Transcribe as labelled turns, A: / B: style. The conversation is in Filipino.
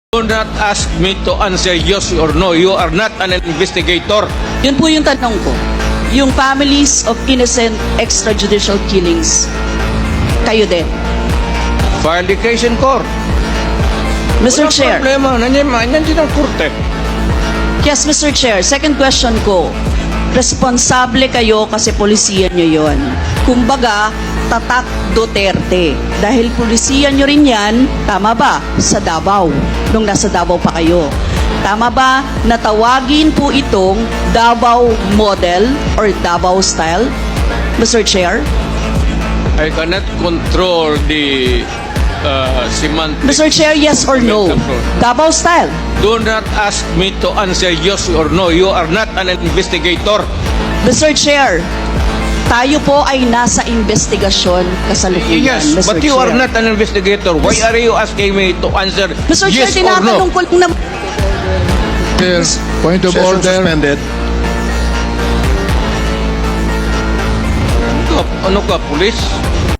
A: Do not ask me to answer yes or no. You are not an investigator.
B: Yun po yung tanong ko. Yung families of innocent extrajudicial killings, kayo din.
A: File the case in court.
B: Mr.
A: Walang
B: Chair.
A: problema. Nandiyan din ang korte.
B: Yes, Mr. Chair. Second question ko. Responsable kayo kasi polisiyan nyo yon. Kumbaga, tatak Duterte. Dahil polisiyan nyo rin yan, tama ba? Sa Davao. Nung nasa Davao pa kayo. Tama ba na tawagin po itong Davao model or Davao style? Mr. Chair?
A: I cannot control the semantics.
B: Mr. Chair, yes or no? Davao style.
A: Do not ask me to answer yes or no. You are not an investigator.
B: Mr. Chair, tayo po ay nasa investigasyon kasalukuyan,
A: Yes,
B: Mr.
A: but you
B: Chair.
A: are not an investigator. Why are you asking me to answer
B: Mr.
A: yes
B: Chair,
A: or no?
B: tinatanong ko lang naman.
C: Chair, point of
D: Session
C: order.
D: suspended.
A: Ano ka, pulis?